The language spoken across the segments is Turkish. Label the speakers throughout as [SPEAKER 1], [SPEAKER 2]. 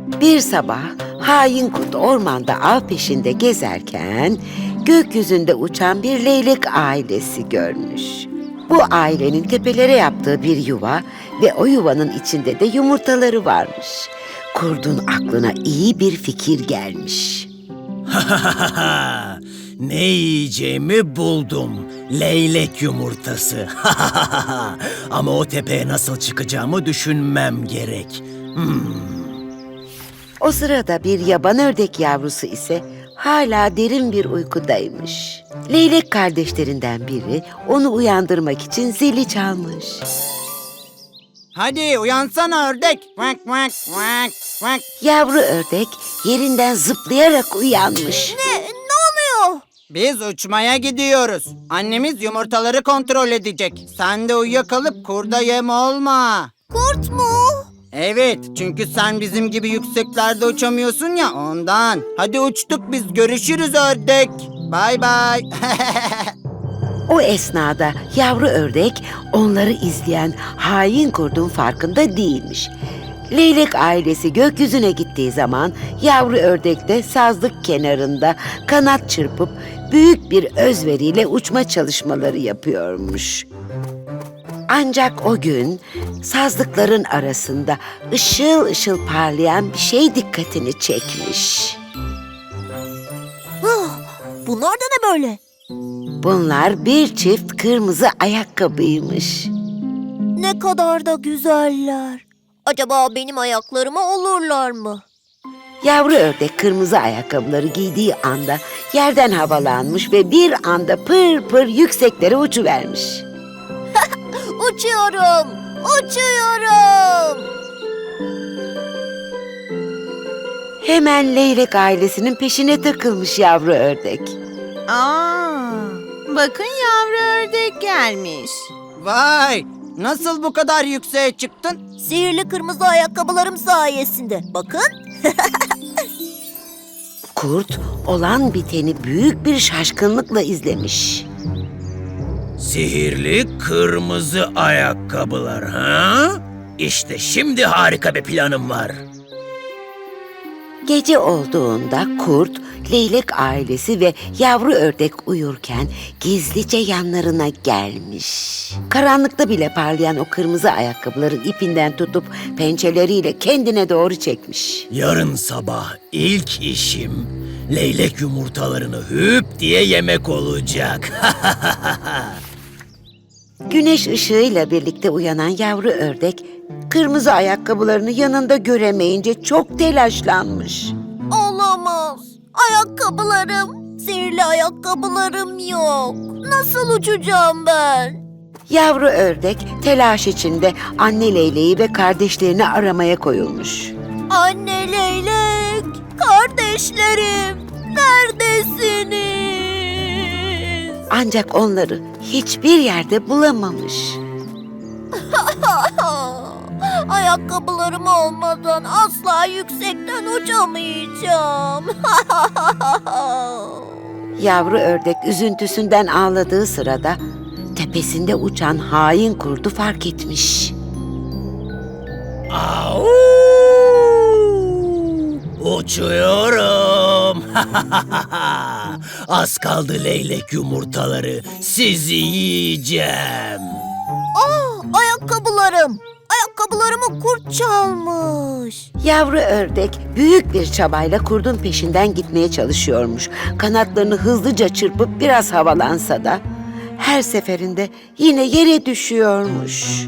[SPEAKER 1] Bir sabah hain kurt ormanda av peşinde gezerken gökyüzünde uçan bir leylek ailesi görmüş. Bu ailenin tepelere yaptığı bir yuva ve o yuvanın içinde de yumurtaları varmış. Kurdun aklına iyi bir fikir gelmiş.
[SPEAKER 2] Ne yiyeceğimi buldum. Leylek yumurtası. Ama o tepeye nasıl çıkacağımı düşünmem gerek.
[SPEAKER 1] O sırada bir yaban ördek yavrusu ise hala derin bir uykudaymış. Leylek kardeşlerinden biri onu uyandırmak için zili çalmış.
[SPEAKER 3] Hadi uyansana ördek. Vak vak vak vak.
[SPEAKER 1] Yavru ördek yerinden zıplayarak uyanmış.
[SPEAKER 4] Ne oluyor?
[SPEAKER 3] Biz uçmaya gidiyoruz. Annemiz yumurtaları kontrol edecek. Sen de uyuyakalıp kurda yem olma.
[SPEAKER 4] Kurt mu?
[SPEAKER 3] Evet, çünkü sen bizim gibi yükseklerde uçamıyorsun ya ondan. Hadi uçtuk biz, görüşürüz ördek. Bay bay.
[SPEAKER 1] O esnada yavru ördek onları izleyen hain kurdun farkında değilmiş. Leylek ailesi gökyüzüne gittiği zaman yavru ördek de sazlık kenarında kanat çırpıp büyük bir özveriyle uçma çalışmaları yapıyormuş. Ancak o gün sazlıkların arasında ışıl ışıl parlayan bir şey dikkatini çekmiş.
[SPEAKER 4] Bunlar da ne böyle?
[SPEAKER 1] Bunlar bir çift kırmızı ayakkabıymış.
[SPEAKER 4] Ne kadar da güzeller. Acaba benim ayaklarıma olurlar mı?
[SPEAKER 1] Yavru ördek kırmızı ayakkabıları giydiği anda yerden havalanmış ve bir anda pır pır yükseklere uçuvermiş.
[SPEAKER 4] Uçuyorum! Uçuyorum!
[SPEAKER 1] Hemen leylek ailesinin peşine takılmış yavru ördek.
[SPEAKER 5] Bakın yavru ördek gelmiş.
[SPEAKER 3] Vay, nasıl bu kadar yükseğe çıktın?
[SPEAKER 4] Sihirli kırmızı ayakkabılarım sayesinde. Bakın.
[SPEAKER 1] Kurt olan biteni büyük bir şaşkınlıkla izlemiş.
[SPEAKER 2] Sihirli kırmızı ayakkabılar, ha? İşte şimdi harika bir planım var.
[SPEAKER 1] Gece olduğunda kurt, leylek ailesi ve yavru ördek uyurken gizlice yanlarına gelmiş. Karanlıkta bile parlayan o kırmızı ayakkabıların ipinden tutup pençeleriyle kendine doğru çekmiş.
[SPEAKER 2] Yarın sabah ilk işim leylek yumurtalarını hüp diye yemek olacak.
[SPEAKER 1] Güneş ışığıyla birlikte uyanan yavru ördek, kırmızı ayakkabılarını yanında göremeyince çok telaşlanmış.
[SPEAKER 4] Olamaz. Ayakkabılarım. Sihirli ayakkabılarım yok. Nasıl uçacağım ben?
[SPEAKER 1] Yavru ördek telaş içinde anne leyleği ve kardeşlerini aramaya koyulmuş.
[SPEAKER 4] Anne leylek, kardeşlerim, neredesiniz?
[SPEAKER 1] Ancak onları hiçbir yerde bulamamış.
[SPEAKER 4] Ayakkabılarım olmadan asla yüksekten uçamayacağım.
[SPEAKER 1] Yavru ördek üzüntüsünden ağladığı sırada tepesinde uçan hain kurdu fark etmiş.
[SPEAKER 2] Au! Uçuyorum. Az kaldı leylek yumurtaları. Sizi yiyeceğim.
[SPEAKER 4] Ayakkabılarım. Ayakkabılarımı kurt çalmış.
[SPEAKER 1] Yavru ördek büyük bir çabayla kurdun peşinden gitmeye çalışıyormuş. Kanatlarını hızlıca çırpıp biraz havalansa da her seferinde yine yere düşüyormuş.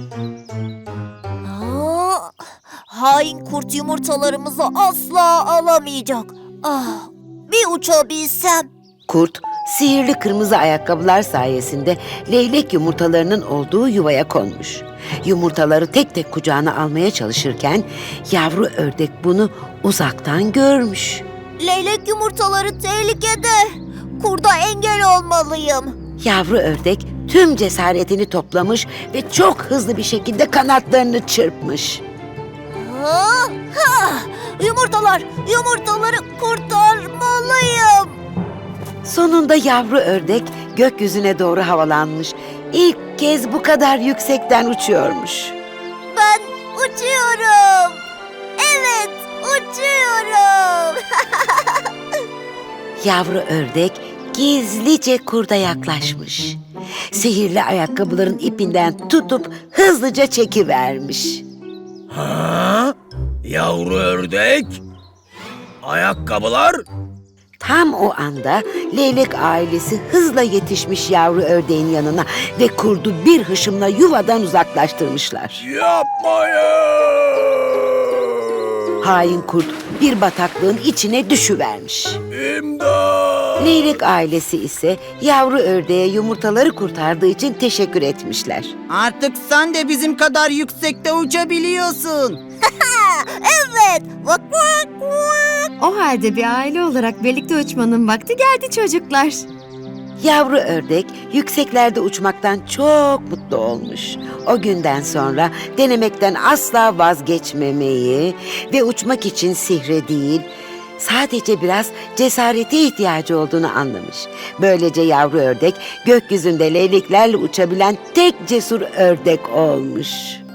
[SPEAKER 4] Hain kurt yumurtalarımızı asla alamayacak. Bir uçabilsem.
[SPEAKER 1] Kurt, sihirli kırmızı ayakkabılar sayesinde leylek yumurtalarının olduğu yuvaya konmuş. Yumurtaları tek tek kucağına almaya çalışırken yavru ördek bunu uzaktan görmüş.
[SPEAKER 4] Leylek yumurtaları tehlikede. Kurda engel olmalıyım.
[SPEAKER 1] Yavru ördek tüm cesaretini toplamış ve çok hızlı bir şekilde kanatlarını çırpmış.
[SPEAKER 4] Yumurtaları kurtarmalıyım.
[SPEAKER 1] Sonunda yavru ördek gökyüzüne doğru havalanmış. İlk kez bu kadar yüksekten uçuyormuş.
[SPEAKER 4] Ben uçuyorum. Evet, uçuyorum.
[SPEAKER 1] Yavru ördek gizlice kurda yaklaşmış. Sihirli ayakkabıların ipinden tutup hızlıca çekivermiş.
[SPEAKER 2] Ha? Yavru ördek? Ayakkabılar?
[SPEAKER 1] Tam o anda leylek ailesi hızla yetişmiş yavru ördeğin yanına ve kurdu bir hışımla yuvadan uzaklaştırmışlar.
[SPEAKER 2] Yapmayın!
[SPEAKER 1] Hain kurt bir bataklığın içine düşüvermiş.
[SPEAKER 2] İmdat!
[SPEAKER 1] Leylek ailesi ise yavru ördeğe yumurtaları kurtardığı için teşekkür etmişler.
[SPEAKER 3] Artık sen de bizim kadar yüksekte uçabiliyorsun.
[SPEAKER 4] Evet. Vak vak vak.
[SPEAKER 6] O halde bir aile olarak birlikte uçmanın vakti geldi çocuklar.
[SPEAKER 1] Yavru ördek yükseklerde uçmaktan çok mutlu olmuş. O günden sonra denemekten asla vazgeçmemeyi ve uçmak için sihre değil, sadece biraz cesarete ihtiyacı olduğunu anlamış. Böylece yavru ördek gökyüzünde leyleklerle uçabilen tek cesur ördek olmuş.